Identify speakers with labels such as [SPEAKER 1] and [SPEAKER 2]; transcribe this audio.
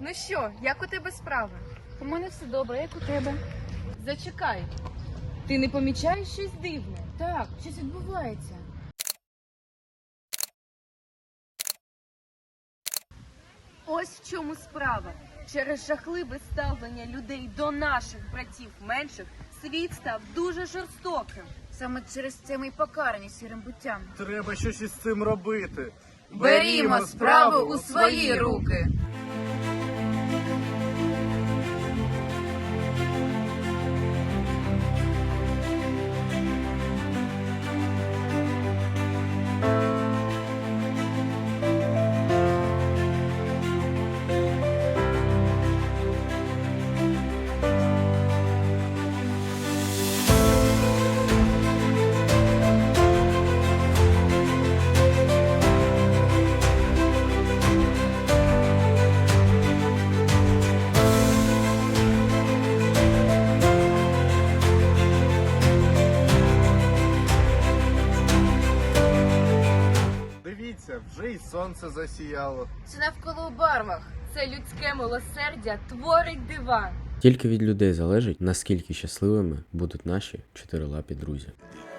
[SPEAKER 1] Ну що, як у тебе справи?
[SPEAKER 2] У мене все добре, як у тебе?
[SPEAKER 1] Зачекай. Ти не помічаєш щось дивне?
[SPEAKER 2] Так, щось відбувається.
[SPEAKER 1] Ось в чому справа. Через жахливе ставлення людей до наших братів менших світ став дуже жорстоким.
[SPEAKER 2] Саме через це ми й покарані сірим буттям.
[SPEAKER 3] Треба щось із цим робити.
[SPEAKER 2] Берімо справу у свої руки.
[SPEAKER 3] Дивіться, вже й сонце засіяло.
[SPEAKER 2] Це навколо у барвах.
[SPEAKER 1] Це людське милосердя творить дива.
[SPEAKER 4] Тільки від людей залежить, наскільки щасливими будуть наші чотирилапі друзі.